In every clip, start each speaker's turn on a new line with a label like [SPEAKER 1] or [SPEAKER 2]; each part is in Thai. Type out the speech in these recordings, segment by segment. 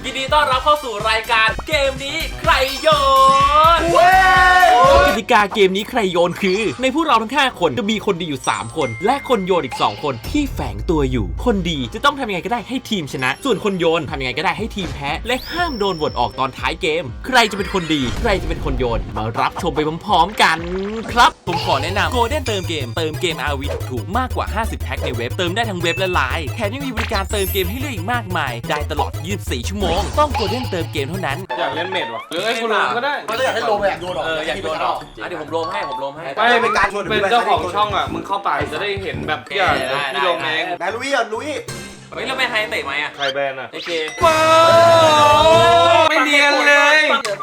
[SPEAKER 1] ยินดีต้อนรับเข้าสู่รายการเกมนี้ใครโยนกติกาเกมนี้ใครโยนคือในพวกเราทั้ง5คนจะมีคนดีอยู่3คนและคนโยนอีก2คนที่แฝงตัวอยู่คนดีจะต้องทำยังไงก็ได้ให้ทีมชนะส่วนคนโยนทำยังไงก็ได้ให้ทีมแพ้และห้ามโดนโหวตออกตอนท้ายเกมใครจะเป็นคนดีใครจะเป็นคนโยนมารับชมไปพร้อมๆกันครับผมขอแนะนำ Golden เติมเกม RV ถูกมากกว่า50แพ็คในเว็บเติมได้ทั้งเว็บและไลน์แถมยังมีบริการเติมเกมให้เลือกอีกมากมายได้ตลอด24ชั่วโมงต้อง Golden เติมเกมเท่านั้น
[SPEAKER 2] อยากเล่นเมดวะหรือไอ้คุณโรมก็ได้
[SPEAKER 3] ไม่ได้อยากให้โลมอยากโยนออก
[SPEAKER 1] อยากโยนออกเดี๋ยวผมโรมให้
[SPEAKER 2] ไม่เป็นการชวนเป็นเจ้าของช่องอ่ะมึงเข้าไปจะได้เห็นแบบอย่างพี่โรมเอง
[SPEAKER 3] แบลุยอ่ะลุย
[SPEAKER 1] เฮ้ยแล้วไม่ให้เตะไหมอ่ะ
[SPEAKER 2] ใครแบนอ่ะ
[SPEAKER 1] โอเค
[SPEAKER 2] ไม่เนียนเลย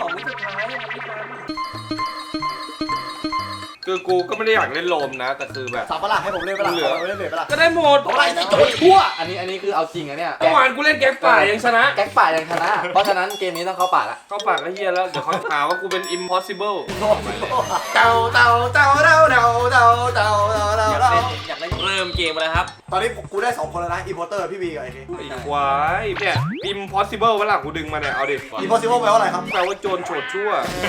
[SPEAKER 2] คือกูก็ไม่ได้อยากเล่นโรมนะแต่คือแบบ
[SPEAKER 3] สับปะล่ะให้ผมเล่นปะล่ะเล่นเบรปะล่ะ
[SPEAKER 2] ก็ได้หมด
[SPEAKER 3] อะไรจะโจยทั่ว
[SPEAKER 4] อันนี้คือเอาจริงอะเนี่ย
[SPEAKER 2] เมื่อวานกูเล่นแก๊กป่ายังชนะ
[SPEAKER 4] แก๊กป่ายังชนะ เพราะฉะนั้นเกมนี้ต้องเข้าป่าละ
[SPEAKER 2] เข้าปากก็เฮียแล้วเดี๋ยวเขาหาว่ากูเป็น impossible
[SPEAKER 3] เต่า
[SPEAKER 1] อยากเล่นเริ่มเกมแล้วครับ
[SPEAKER 3] ตอนนี้กูได้2คนแล้วนะอีโพเตอร์พี่บีกับไอ้นี่
[SPEAKER 2] ไอ้ควายเนี่ย impossible เวลากูดึงมาเนี่ยเอาดิ
[SPEAKER 3] อีโพซิเบิลแปลว่าอะไรครับ
[SPEAKER 2] แปลว่าโจรโฉดชั่ว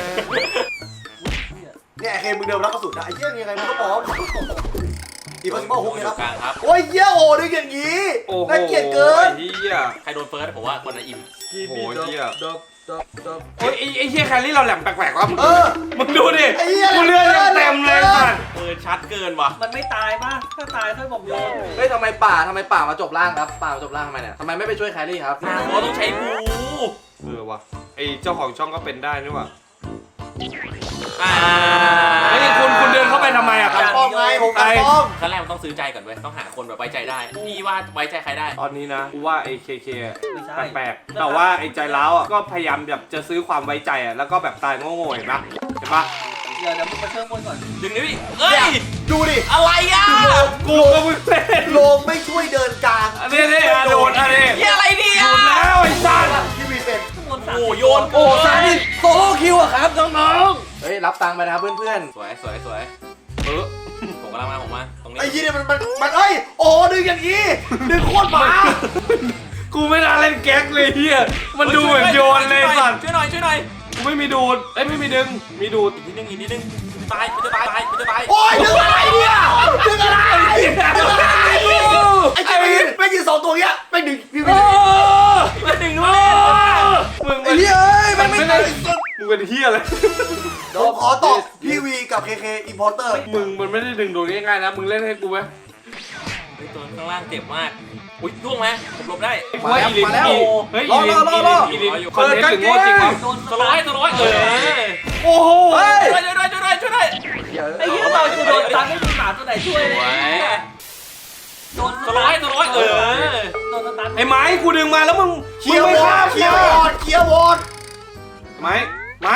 [SPEAKER 3] เนี่ยเคมึงเดิมแล้วก็สุดนะไอ้เหี้ยยังไงมึงก็บอกอีโพซิเบิลฮุกนะครับ
[SPEAKER 1] กลางครับ
[SPEAKER 3] โอ้ยเหี้ยโอ้ดึงอย่างงี้
[SPEAKER 2] โอ้โห
[SPEAKER 3] น่าเกลียดเกิน
[SPEAKER 2] เฮีย
[SPEAKER 1] ใครโดนเฟิร์สผมว่าคนนั้นอิ่ม
[SPEAKER 2] โอ้โหเฮียโอ้ยไอ้เฮียแครี่เราแหลมแปลกๆวะ มึงดูดิ
[SPEAKER 3] ไอ้เหี้ย
[SPEAKER 2] กูเลือดยังเต็มเลยสัตว์
[SPEAKER 1] ชัดเกินว่ะ
[SPEAKER 5] มันไม่ตายป่ะ ถ้าตายค่อยบอกโยน
[SPEAKER 4] เฮ้ยทำไมป่ามาจบล่างครับป่ามาจบล่างทำไมเนี่ยทำไมไม่ไปช่วยแครี่ครับ
[SPEAKER 1] เราต้องใช้บู
[SPEAKER 2] วะไอ้เจ้าของช่องก็เป็นได้นี่วะ
[SPEAKER 1] อ่า
[SPEAKER 2] ไอ้คุณเดินเข้าไปทำไมอะครับ
[SPEAKER 3] ป้อมไงผมกันป้อม
[SPEAKER 1] ขั้นแรกมันต้องซื้อใจก่อนเว้ยต้องหาคนแบบไว้ใจได้พี่ว่าไว้ใจใครได้
[SPEAKER 2] ตอนนี้นะกูว่าไอ้เค
[SPEAKER 5] ไม่ใช่
[SPEAKER 2] แปลกๆแต่ว่าไอ้ใจร้าวอ่ะก็พยายามแบบจะซื้อความไว้ใจอ่ะแล้วก็แบบตายโง่ๆเห็นปะเห็นปะ
[SPEAKER 5] เดี๋ยวมึงมาเชื่อมบนก่อน
[SPEAKER 1] ดึงดิพี่เอ้ย
[SPEAKER 3] ดูดิ
[SPEAKER 1] อะไรอ่ะ
[SPEAKER 2] กูก็มึงเป็น
[SPEAKER 3] โลมไม่ช่วยเดินกลาง
[SPEAKER 2] อันนี้โดนอันนี้
[SPEAKER 1] เฮียอะไรเนี่ย
[SPEAKER 2] โดนแล้วไอ้สัตว์
[SPEAKER 3] พี่บีเป็น
[SPEAKER 5] ข้างบนสาม
[SPEAKER 1] โอ้โยน
[SPEAKER 2] โอ้ซาดิโซโล่คิวอะครับน้อง
[SPEAKER 4] เฮ้ยรับตังค์ไปนะครับเพื่อน
[SPEAKER 1] สวย
[SPEAKER 2] ๆเออ
[SPEAKER 1] ผมกำลังมาผมมาตรงนี้
[SPEAKER 3] ไอ้ยี่เนี่ยมันเอ้ยโอ้ดึงอย่างงี้ดึงโคตรหมา
[SPEAKER 2] กูไม่น่าเล่นแก๊กเลยเฮียมันดูเหมือนโยนเลยสัตว์
[SPEAKER 1] ช่วยหน่อย
[SPEAKER 2] กูไม่มีดูดเอ้ยไม่มีดึงมีดูด
[SPEAKER 1] อีกนิดนึงตายมันจะตาย
[SPEAKER 3] โอ้ยดึงอะไรเนี่ยดึงอะไรดึงอะไรไอ้เจมินไม่ยืน2ตัวเงี้ยไม่ดึงพี่บี
[SPEAKER 1] มันดึงด้วย
[SPEAKER 2] มึง
[SPEAKER 3] ไอ้เหี้ยมันไม่ได้
[SPEAKER 2] มึงเป็นเฮียเลย
[SPEAKER 3] ผมขอตอบพี่วีกับเคอิมพอร์เตอร์
[SPEAKER 2] มึงมันไม่ได้ดึงโดนง่ายๆนะมึงเล่นให้กูไหม
[SPEAKER 1] ตัวข้างล่างเจ็บมากอุ้ยล่วงไหมผมหลบได้
[SPEAKER 2] ว่าอีลินเฮ้ยอีลินคอนเทนต์ถึงโง่จริงวะ
[SPEAKER 1] สร้อย
[SPEAKER 2] โอ้โห
[SPEAKER 1] ช่วยด้วย
[SPEAKER 4] ๆ
[SPEAKER 5] ไอ้เหี้ยเราจะโดนตันไม่มีหมาตัวไหนช่วยเลยโดน
[SPEAKER 1] สร้อย
[SPEAKER 5] โดนตัน
[SPEAKER 2] ไอ้ไม้กูดึงมาแล้วมึง
[SPEAKER 3] เคลียร์
[SPEAKER 2] ไม่
[SPEAKER 3] วอ
[SPEAKER 2] ข้า
[SPEAKER 3] ร์
[SPEAKER 2] ม
[SPEAKER 3] ดเคลียร์วอร์ดเคลียร์วอร์ด
[SPEAKER 2] ไม้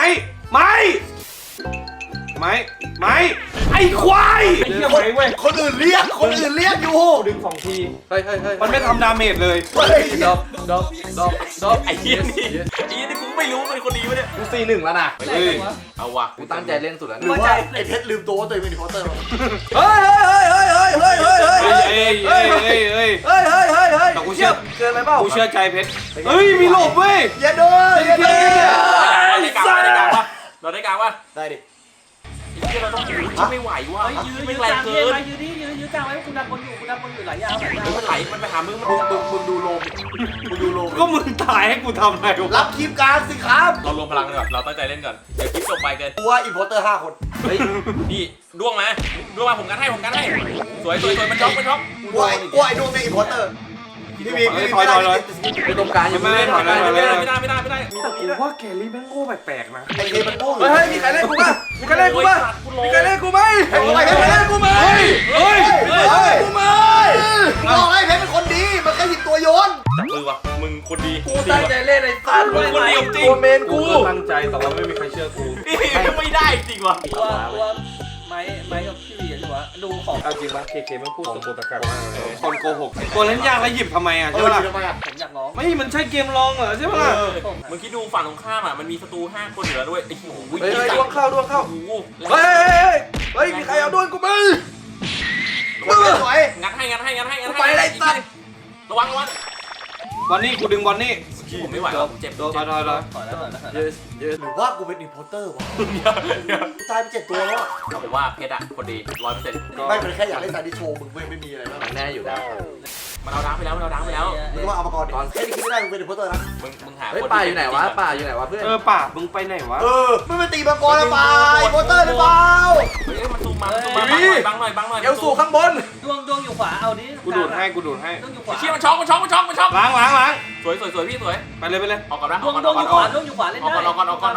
[SPEAKER 2] ไอ้ควายไอ้เหี้ยไม้เว้ย
[SPEAKER 3] คนอื่นเรียกอยู่
[SPEAKER 2] ดึง2 ที
[SPEAKER 4] เฮ้ย
[SPEAKER 2] มันไม่ทำดาเมจเลย
[SPEAKER 3] เฮ้ย
[SPEAKER 4] ดอก
[SPEAKER 1] ไอ้เหี้ยนี่กูไม่รู้เป็นคนดีวะเนี่ย
[SPEAKER 4] กู4-1แล้วนะ
[SPEAKER 2] เฮ้ย
[SPEAKER 1] เอาว่ะ
[SPEAKER 4] กูตั้งใจเล่นสุดแล้ว
[SPEAKER 3] หรือว่าไอ้เพชรลืมตัวว่าตัวเองเป็นอิมพอร์เตอร์
[SPEAKER 4] เฮ้ย
[SPEAKER 2] แต่กูเชื่อ
[SPEAKER 4] เกินไปเปล่า
[SPEAKER 2] กูเชื่อใจเพชรเฮ้ยมีหลบเว้ย
[SPEAKER 3] อย่าโดนอย่าโดน
[SPEAKER 1] เราได้กลางวะ
[SPEAKER 3] ได้ดิ
[SPEAKER 1] เราต้องไม่ไหวว่ะ
[SPEAKER 5] ยื้อ
[SPEAKER 1] ไม่
[SPEAKER 5] ก
[SPEAKER 1] แร
[SPEAKER 5] ลาง ง
[SPEAKER 1] เกิ
[SPEAKER 5] เกม
[SPEAKER 1] น
[SPEAKER 5] ไปยื้อกลางไว้คุณดับบนอยู่หลายยาว
[SPEAKER 1] มันไหลมันไปหามึง
[SPEAKER 3] มึงดูโลมมึงดูโลม
[SPEAKER 2] ก็มึงตายให้กูทำอะไรวะ
[SPEAKER 3] รับคลิปกลางสิครับ
[SPEAKER 1] เรารวมพลังก่อนเราตั้งใจเล่นก่อนเดี๋ยวคลิปจบไปเกิน
[SPEAKER 3] กูว่าอิมพอร์เตอร์5 คน
[SPEAKER 4] เฮ้ย
[SPEAKER 1] นี่ด้วงมาผมกันให้สวยมันช็อก
[SPEAKER 3] กูว่าไอ้ดวงเป็นอิมพอร์เตอร์พี่บีไม่ได้
[SPEAKER 4] ไปตรงกลางยังไม่ได้
[SPEAKER 1] ไม่ได้
[SPEAKER 2] กูว่าแกลี่แม่งโง่แปลกๆนะ
[SPEAKER 3] ไอ้เคมันโง่
[SPEAKER 4] เฮ้ยมีใครเล่นกูบ้างมีใครเล่นกูไหม
[SPEAKER 3] เพชรเล่นกูไหม
[SPEAKER 2] เฮ้ย
[SPEAKER 3] กูไหมบอกให้เพชรเป็นคนดีมันแค่หยิบตัวโยน
[SPEAKER 1] จับมือวะมึงคนดี
[SPEAKER 4] กูตั้งใจเล่นไอ้สัตว์
[SPEAKER 1] คนเดียวจริง
[SPEAKER 4] ตัวเมน
[SPEAKER 2] กู
[SPEAKER 4] กู
[SPEAKER 2] ก็ตั้งใจแต่ว่าไม่มีใครเชื่อกู
[SPEAKER 1] ไม่ได้จริงวะ
[SPEAKER 5] ตัวไม้กับพี่วีหรือวะดูของ
[SPEAKER 2] เอาจริงปะเคมันพูดตะโกนตะกักมากเลยคนโกหกตัวเล่นยากแล้วหยิบทำไมอ่ะใช่ปะล่ะ
[SPEAKER 5] ผมอยากร้อง
[SPEAKER 2] ไม่มันใช่เกมลองเหรอใช่ปะล่ะ
[SPEAKER 1] มึงคิดดูฝั่งตรงข้ามอ่ะมันมีศัตรู5 คนอยู่แล้วด้วยไอ้โห
[SPEAKER 4] เฮ้ยดวงเข้า
[SPEAKER 1] โอ้โห
[SPEAKER 4] เฮ้ยมีใครเอาดวงกูมั้ย
[SPEAKER 3] สวย
[SPEAKER 1] งัดให้
[SPEAKER 4] ไปเลยสัตว์
[SPEAKER 1] ระวัง
[SPEAKER 2] บอลนี่กูดึงบอลนี่
[SPEAKER 1] ผมไม่ไหวแล้วผมเจ็บ
[SPEAKER 2] โดนถอย
[SPEAKER 5] ถอยแล้วถอยแล้วถอยแล้ว
[SPEAKER 4] ยืด
[SPEAKER 3] หรือว่ากูเป็นอินโพเตอร์วะกูตายไป7 ตัวแล้วอะ
[SPEAKER 1] ผมว่าเพชรอะคนดี100%
[SPEAKER 3] ไม่เป็นแค่อยากเล่นซาดิโชว์มึงไม่มีอะไรมาก
[SPEAKER 4] มันแน่อยู่แล้ว
[SPEAKER 1] มันเอาดังไปแล้วมันเอาดังไปแล้ว
[SPEAKER 3] มึงก็มาเอามาก่อนดิแค่นี้คิดไม่ได้มึงเป็นอินโพเตอร์นะ
[SPEAKER 1] มึงหา
[SPEAKER 4] เฮ้ย
[SPEAKER 1] คน
[SPEAKER 4] ป่าอยู่ไหนวะป่าอยู่ไหนวะเพื่อน
[SPEAKER 2] ป่ามึงไปไหนวะ
[SPEAKER 3] ไม่ไปตีมังกรแล้วไปอินโพเตอร์หรือเปล่า
[SPEAKER 1] เฮ้ยมันซูมมาบังหน่อย
[SPEAKER 4] เอลสูข้างบน
[SPEAKER 5] ดวงอยู่ขวาเอาดิ
[SPEAKER 2] กูดูดให้
[SPEAKER 5] ดวงอยู่ขวา
[SPEAKER 1] เชี่ยมันช็อก
[SPEAKER 2] ล้าง
[SPEAKER 1] สวยพี่สวย
[SPEAKER 2] ไปเลย
[SPEAKER 1] ออกก่อนนะ
[SPEAKER 5] ดวงอยู่ขวาดวงอยู่ขวาเล่น
[SPEAKER 1] ออก
[SPEAKER 5] ได้
[SPEAKER 1] ก่อน
[SPEAKER 2] เอาก่อน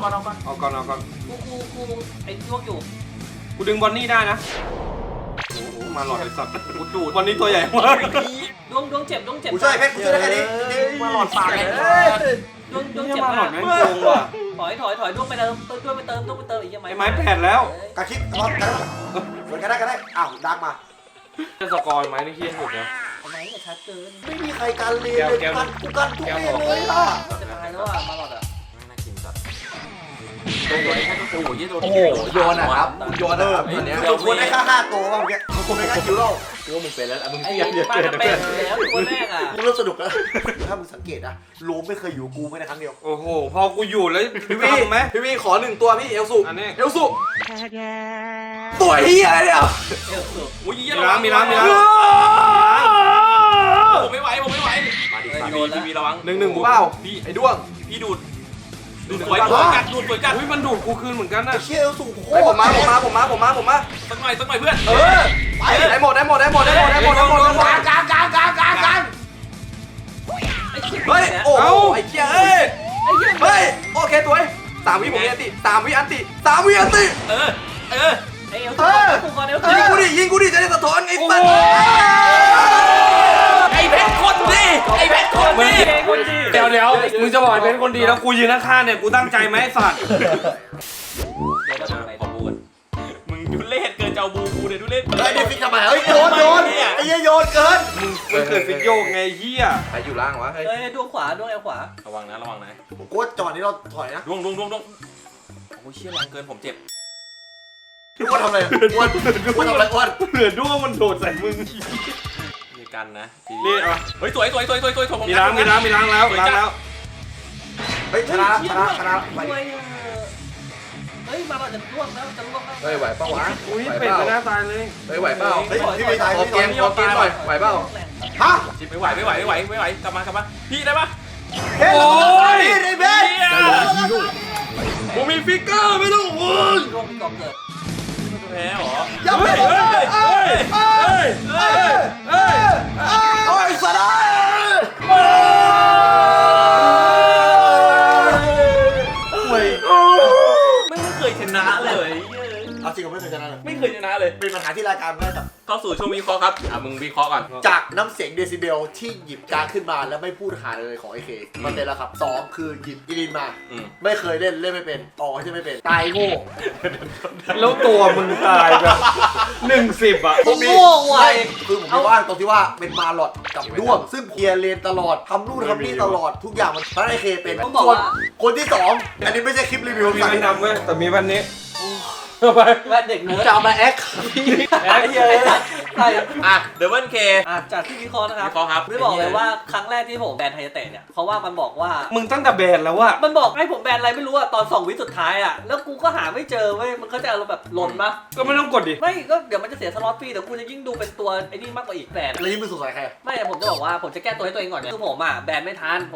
[SPEAKER 5] กูไอ้ดวงอยู่
[SPEAKER 2] กูดึงบอนนี่ได้นะโอ้โหมาหลอดไอ้สัตว์
[SPEAKER 1] กูดูด
[SPEAKER 2] บอนนี่ตัวใหญ่มาก
[SPEAKER 5] ดวงเจ็บ
[SPEAKER 3] กูช่วยแค่กูช่วยได้แค่นี้
[SPEAKER 1] มาหลอดปากเลย
[SPEAKER 5] ดวง
[SPEAKER 2] นี่
[SPEAKER 5] เจ็บ
[SPEAKER 2] มาหลอ
[SPEAKER 5] มา
[SPEAKER 2] ด
[SPEAKER 5] ก
[SPEAKER 2] แม่งโกงว่ะ
[SPEAKER 5] ถอยดวงไปเติมอีกยังไง
[SPEAKER 2] ไอ้ไม้แผดแล้ว
[SPEAKER 3] กระคิดรอดกันสวนกันได้อ้าวดักมา
[SPEAKER 2] จะสกอร์ไม้นี่เฮี้ยสุดนะ
[SPEAKER 5] ทำไมเนี่ยชัดเกิน
[SPEAKER 3] ไม่มีใครการเรียนเลยกันกูกันทุกเรียนเลยล่ะ
[SPEAKER 5] จะตายแล้วอ่ะมาหลอดอ่ะ
[SPEAKER 1] น่ากินจัดโอ้ยโอ้ย
[SPEAKER 4] โอ้โหโยนนะครับโยนนะครับตอนเนี้ย
[SPEAKER 3] กูควรได้ค่า5 ตัวบ้างเมื่อกี้กูควรได้ค่าคิวเรา
[SPEAKER 4] กูว่ามึงเป็นแล้วมึง
[SPEAKER 5] ไอ้
[SPEAKER 4] เสีย
[SPEAKER 5] ป้าจะเป็นแล้วตัวแรกอ่ะ
[SPEAKER 3] กูเริ่มสนุกแล้วถ้ามึงสังเกตนะโลมไม่เคยอยู่กูไม่ได้ครั้งเดียว
[SPEAKER 2] โอ้โหพอกูอยู่แล้ว
[SPEAKER 4] พี่วี
[SPEAKER 2] ทำไหม
[SPEAKER 4] พี่วีขอ1 ตัวพี่เอลสู
[SPEAKER 2] อันนี้
[SPEAKER 4] เอลสูตัวเฮียอะไรเนี่ย
[SPEAKER 5] เอลสุด
[SPEAKER 1] โอ้ย
[SPEAKER 2] มีล้าง
[SPEAKER 1] ผมไม่ไหวมาดิทีวีระวัง
[SPEAKER 2] 1-1
[SPEAKER 4] กูเปล่า
[SPEAKER 1] พี่
[SPEAKER 4] ไอ้ด้วง
[SPEAKER 1] พี่ดูดสวยกัด
[SPEAKER 2] อุ้ยมันดูดกูคืนเหมือนกันนะ
[SPEAKER 3] ไอ้เชี่ยเอลสูงโค
[SPEAKER 4] ไอ้
[SPEAKER 3] ตร
[SPEAKER 4] ผมมา
[SPEAKER 1] สักหน่อยเพื่อน
[SPEAKER 3] ไป
[SPEAKER 4] ได้หมด
[SPEAKER 3] กลาง
[SPEAKER 5] ไอ้ชิบ
[SPEAKER 4] เฮ้ย
[SPEAKER 5] เนี่ย
[SPEAKER 4] โอ้ไอ้เหี้ยเอ้ย
[SPEAKER 5] ไอ้เหี้ย
[SPEAKER 4] เฮ้ยโอเคตัว3 วิผมมีอันติ3 วิอันติ3 วิอันติ
[SPEAKER 1] เออ
[SPEAKER 5] ไอ้เอลสุดกูก่อนเอลสุด
[SPEAKER 4] ยิงกูดิจะได้สะท้อนไอ้สัตว์
[SPEAKER 1] ไอเพชรคนดี
[SPEAKER 2] เดี๋ยวมึงจะบอกไอ้เป็นคนดีแล้วกูยืนข้างๆเนี่ยกูตั้งใจไหมไอ้สัตว์
[SPEAKER 1] ขอบูกันมึงดูเล่เกินเจ้าบูกูเนี่ยดูเล่
[SPEAKER 3] เฮ้ยเดี๋ยวฟิกทำไมเฮ้ยโยนไอ้เหี้ยโยนเกิน
[SPEAKER 2] มึงเกิดฟิกโยกไงเฮีย
[SPEAKER 4] ใครอยู่ล่างวะเฮ้ย
[SPEAKER 5] เฮ้ยดวงขวาดวงเอลขวา
[SPEAKER 1] ระวังนะ
[SPEAKER 3] กูว่าจังหวะนี้เราถอยนะ
[SPEAKER 1] ดวงโอ้ยเชี่ยแรงเกินผมเจ็บ
[SPEAKER 3] กูว่าทำอะไรอ้วนกูทำอะไรอ้วน
[SPEAKER 2] เหลือด้วงมันโดดใส่มึง
[SPEAKER 1] มีกันนะ
[SPEAKER 2] นี่อ่ะ
[SPEAKER 1] เฮ้ยสวยผม
[SPEAKER 2] มีล้างแล้ว
[SPEAKER 3] เฮ้ยชนะไป
[SPEAKER 5] เฮ้ยมาเราจะล่วงแล้วจะล่วงแล้ว
[SPEAKER 4] เฮ้ยไหวเปล่าวะ
[SPEAKER 2] อุ้ย
[SPEAKER 4] ไหว
[SPEAKER 2] เป็ด
[SPEAKER 4] เปล่า
[SPEAKER 2] มันหน้าตายเลย
[SPEAKER 4] เฮ้ยไหวเปล่า
[SPEAKER 3] เฮ้ยพี่ไม่ตาย
[SPEAKER 4] ขอ
[SPEAKER 3] พี่
[SPEAKER 4] เกมหน่อยไหวเปล่า
[SPEAKER 3] ฮะ
[SPEAKER 1] ไม่ไหวกลับมาพี่ได้ปะ
[SPEAKER 3] เฮ้ยไอ้เบส
[SPEAKER 2] กูมีฟิกเกอร์ไม่ต้องห่วง
[SPEAKER 5] ล่วงมีกองเกิด
[SPEAKER 1] แพ้หรอ
[SPEAKER 3] อย่าไปโอ้ยสัตว์
[SPEAKER 1] ไม่เคยชนะเลย
[SPEAKER 3] เอาจริงผมไม่เคยชนะเลย
[SPEAKER 1] ไม่เคยชนะเลย
[SPEAKER 3] เป็นปัญหาที่รายการไม่ได้ตัด
[SPEAKER 1] เข้าสู่ช่วงวิเคราะห์ครับมึงวิเคราะห์ก่อน
[SPEAKER 3] จากน้ำเสียงเดซิเบลที่หยิบการ์ดขึ้นมาแล้วไม่พูดหาเลยของไอเคมันเป็นแล้วครับ2คือหยิบอีลินมา ไม่เคยเล่นไม่เป็นต่อใช่ไม่เป็นตายโง่
[SPEAKER 2] แล้วตัวมึงตายแบบ10อ่ะ
[SPEAKER 5] โง่ไว
[SPEAKER 3] คือผมว่าตรงที่ว่าเป็นมาหลอดกับด้วงซึ่งเคลียร์เลนตลอดทำนู่นทำนี่ตลอดทุกอย่างมันเพราะไอเคเป็นส่วนคนที่2อันนี้ไม่ใช่คลิปรีวิว
[SPEAKER 2] มี
[SPEAKER 3] สั่ง
[SPEAKER 2] มันดำเว้ยแต่มีวันนี้เอาไป
[SPEAKER 5] แว่นเด็กเนื้อ
[SPEAKER 4] จะเอามาแอค
[SPEAKER 5] ไอ้เหี้ยใช่
[SPEAKER 1] เดวิลเค
[SPEAKER 5] จากที่วิเคราะห์นะครับ
[SPEAKER 1] วิเคราะห์ครับ
[SPEAKER 5] ไม่บอกเลยว่าครั้งแรกที่ผมแบนไฮยาเตะเนี่ยเพราะว่ามันบอกว่า
[SPEAKER 2] มึงตั้งแต่แบนแล้วอะ
[SPEAKER 5] มันบอกให้ผมแบนอะไรไม่รู้อะตอน2 วิสุดท้ายอะแล้วกูก็หาไม่เจอเว้ยมันเขาจะเอาแบบหล่นปะ
[SPEAKER 2] ก็ไม่ต้องกดดิ
[SPEAKER 5] ไม่ก็เดี๋ยวมันจะเสียสล็อตฟรีแต่กูจะยิ่งดูเป็นตัวไอ้นี่มากกว่าอีกแบน
[SPEAKER 3] แล้วยิ่งไม่สงสัยใคร
[SPEAKER 5] ไม่แต่ผมจะบอกว่าผมจะแก้ตัวให้ตัวเองก่อนเนี่ยคือผมอะแบนไม่ทันผม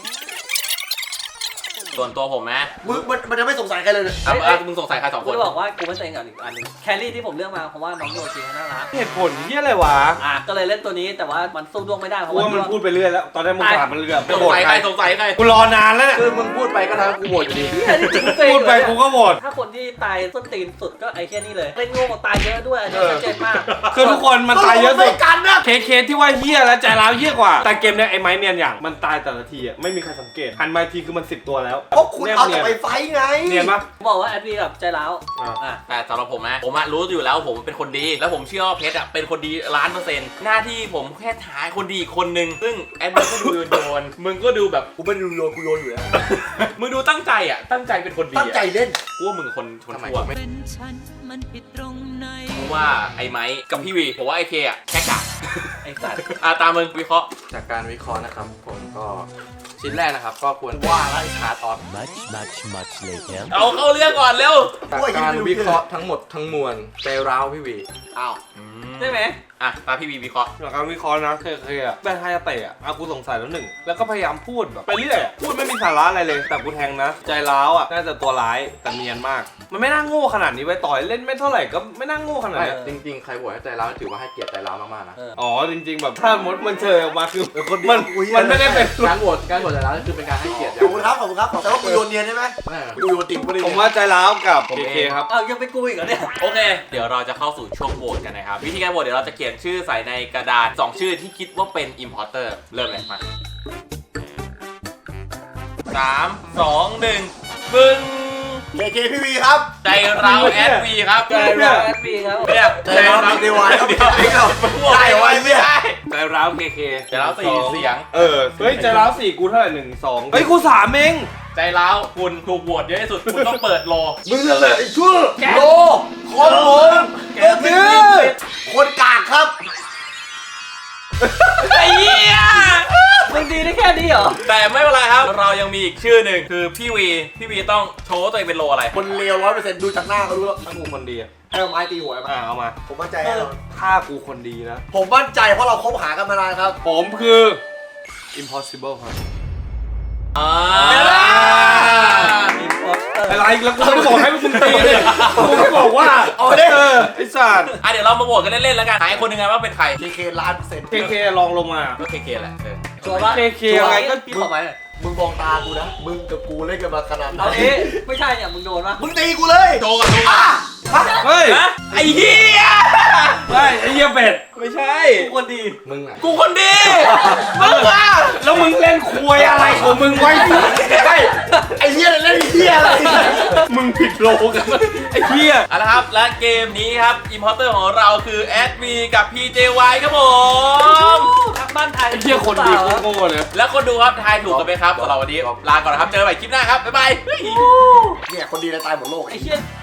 [SPEAKER 1] ส่วนตัวผมนะ
[SPEAKER 3] มันจะไม่สงสัยใครเลย
[SPEAKER 1] มึงสงสัยใคร2 ค
[SPEAKER 5] กู
[SPEAKER 1] น
[SPEAKER 5] จะบอกว่ากูไม่เซ็งกับอีกอันหนึงแครี่ที่ผมเลือกมาเพราะว่าน้องโยชิเขาน่ารัก
[SPEAKER 2] เหตุผลที่อะไรวะ
[SPEAKER 5] ก็เลยเล่นตัวนี้แต่ว่ามันสู้ดวงไม่ได้เพ
[SPEAKER 2] กู
[SPEAKER 5] ราะว่า
[SPEAKER 2] ว่ามันพูดไปเรื่อยแล้ว ตอนแรกมึงถามมันเรื่อย
[SPEAKER 1] สงสัยใคร
[SPEAKER 2] กูรอนานแล้วเนี่ย
[SPEAKER 4] คือมึงพูดไปก็ทำกูโหวตอยู่ดี
[SPEAKER 2] พูดไปกูก็โหวต
[SPEAKER 5] ถ้าคนที่ตายส้นตีนสุดก็ไอ้แค่นี้เลยเล่นโง่ตายเยอะด้วยอันนี้ชัดเจนมาก
[SPEAKER 2] คือทุกคนมันตายเยอะสุด
[SPEAKER 3] กันนะ
[SPEAKER 2] เคสที่ว่าเฮี้ยและใจร้าวเฮี้ยกว่า แต่เกมเนี้ยไอ้ไม้เนียนอย่างมันตายแต่ละทีอ่ะไม่มีใครสังเกตหันมาอีกทีคือมัน10 ตัวแล้ว
[SPEAKER 3] เพราะคุณเอาแต่ไปไฟไง
[SPEAKER 2] เนียนปะ
[SPEAKER 5] บอกว่าแอดวีแบบใจร้าว
[SPEAKER 1] แต่สำหรับผมนะผมรู้อยู่แล้วผมเป็นคนดี แล้วผมเชื่อว่าเพชรเป็นคนดี1,000,000%หน้าที่ผมแค่ถ่ายคนดีคนหนึ่งซึ่งแอดมินก็ดูโยนมึงก็ดูแบบ
[SPEAKER 3] กูไม่ได้ดูโยนกูโยนอยู่แล้ว
[SPEAKER 1] มึงดูตั้งใจตั้งใจเป็นคนดี
[SPEAKER 3] ตั้งใจเล่น
[SPEAKER 1] กูว่ามึงคนชั่ว
[SPEAKER 6] เป็นฉันมันผิดตรงไหน
[SPEAKER 1] กูว่าไอ้ไม้กับพี่วีผมว่าไอ้เคแค่กะ
[SPEAKER 5] ไอ้สัตว์
[SPEAKER 1] ตามมึงวิเคราะห์
[SPEAKER 4] จากการวิเคราะห์นะครับผมก็ชิ้นแรกนะครับก็ควร
[SPEAKER 3] ว่าอะไร
[SPEAKER 4] ฮาร์ดออฟ
[SPEAKER 1] เอาเข้าเรื่องก่อนเร็ว
[SPEAKER 4] การวิเคราะห์ทั้งหมดทั้งมวลใจร้าวพี่วี
[SPEAKER 3] อ้าว
[SPEAKER 5] ได้ไหม
[SPEAKER 1] อ่ะมาพี่วีวิเคราะห์
[SPEAKER 2] หลักการวิเคราะห์นะเคยอะแบนไฮเตะอะเอากูสงสัยแล้วหนึ่งแล้วก็พยายามพูดแบบไปเรื่อยอะพูดไม่มีสาระอะไรเลย แต่กูแทงนะ ใจร้าวอะน่าจะตัวร้ายแต่เนียนมาก มันไม่น่าโง่ขนาดนี้ไว้ต่อยเล่นไม่เท่าไหร่ก็ไม่น่าโง่ขนาด
[SPEAKER 4] ไม่
[SPEAKER 2] นี้
[SPEAKER 4] จริงๆ ใครโหวตให้ใจร้าวถือว่าให้เกียรติใจร้าวมากๆนะ
[SPEAKER 2] อ๋อจริง ๆ แบบถ้ามดมันเจอออกมาคือมันไม่ได้เป็น
[SPEAKER 4] การโหวตใจร้าวคือเป็นการให้เกียรติ
[SPEAKER 3] ขอบคุณครับขอบคุณครับแต่ว่ากูโยนเนียนใช่ไหมกูโยนติ่งกูเลย
[SPEAKER 2] ผมว่าใจร้าวกับเคครับ
[SPEAKER 5] อ้าวยังเป็นกูอีกเหรอเนี่ย
[SPEAKER 1] โอเค เดี๋ยวเราจะเข้าสู่ช่วงโหวตกันนะครับ วิธีการโหวตเดี๋ยวเราจะเขียนชื่อใส่ในกระดาษ 2 ชื่อที่คิดว่าเป็น importer เริ่มเลยมา3 2 1 บึ้ง
[SPEAKER 3] เคพี่วีครับ
[SPEAKER 1] ใจเราแอดวีครับ
[SPEAKER 5] ใจร้าวแอดวีครับ
[SPEAKER 1] เนี่ย
[SPEAKER 3] ใจร้าวมีเดวายครับ
[SPEAKER 1] เดี๋ยว
[SPEAKER 3] ไม่เอา
[SPEAKER 1] ได้ไว้ไม่ได้
[SPEAKER 2] ใจร้าวเค
[SPEAKER 1] ใจเรา4เสียง
[SPEAKER 2] เฮ้ยใจร้าว4กูเท่าไหร่1 2เฮ้ยกู3เอง
[SPEAKER 1] ใจร้าวคุณถูกโหวตเยอะที่สุด คุณต้องเปิดโล
[SPEAKER 3] มึงนั่นแหละไอ้ชั่วโลคนโลคนกากครับ
[SPEAKER 1] ไอ้เหี้ย
[SPEAKER 5] มึงดีได้แค่นี้เหรอ
[SPEAKER 1] แต่ไม่เป็นไรครับ เรายังมีอีกชื่อหนึ่งคือพี่วีต้องโชว์ตัวเองเป็นโลอะไร
[SPEAKER 3] คนเลว100%ดูจากหน้าก็รู้แล้ว
[SPEAKER 2] ถ้ากูคนดีอะ
[SPEAKER 3] ให้เอาไม้ตีหัวมา
[SPEAKER 2] เอามา
[SPEAKER 3] ผมมั่นใจแน่นอน
[SPEAKER 2] ถ้ากูคนดีนะ
[SPEAKER 3] ผมมั่นใจเพราะเราคบหากันมานานครับ
[SPEAKER 2] ผมคือ impossible ครับ
[SPEAKER 1] อ่า
[SPEAKER 2] อะไรแล้วกูไม่ได้บอกให้มึงตีเลยกูไม่บอกว่าเอาได้ไอ้สัตว์
[SPEAKER 1] เดี๋ยวเรามาโหวตกันเล่นๆแล้วกันหายคนหนึ่งไงว่าเป็นใคร
[SPEAKER 3] เค1,000,000%
[SPEAKER 2] เคลองลงมา
[SPEAKER 1] ก็เคแหละ
[SPEAKER 5] ชัวร์ปะ
[SPEAKER 2] เคยังไงก็
[SPEAKER 5] พี่ขอไหมหน่อย
[SPEAKER 3] มึงมองตากูนะ มึงกับกูเล่นกันมาขนาดไหน
[SPEAKER 5] เอางี้ไม่ใช่เนี่ยมึงโดนปะ
[SPEAKER 3] มึงตีกูเลย
[SPEAKER 1] โชว์กันดูอ่ะ
[SPEAKER 2] เฮ้ย
[SPEAKER 1] นะไอ้เหี้ย
[SPEAKER 2] ไอ้เหี้ยเป็ด
[SPEAKER 1] ไม่ใช่
[SPEAKER 5] กูคนดี
[SPEAKER 4] มึงอ่ะ
[SPEAKER 1] กูคนดีมึงอ่ะ
[SPEAKER 2] แล้วมึงเล่นควยอะไรของมึงไว้
[SPEAKER 3] ไอ้เหี้ยเล่นเหี้ยอะไร
[SPEAKER 2] มึงผิดโลกันไอ้เหี้ย
[SPEAKER 1] เอาละครับ และเกมนี้ครับ Importer ของเราคือแอดวีกับ PJY ครับผม
[SPEAKER 5] ทักบ้านไทย
[SPEAKER 2] ไอ้เหี้ยคนดีโง่เลย
[SPEAKER 1] แล้วคนดูครับทายถูกกันไหมครับสำหรับวันนี้ลาก่อนนะครับ เจอกันใหม่คลิปหน้าครับ บ๊ายบาย
[SPEAKER 3] เนี่ยคนดีในตายหมดโลก
[SPEAKER 5] ไอ้เชี่ย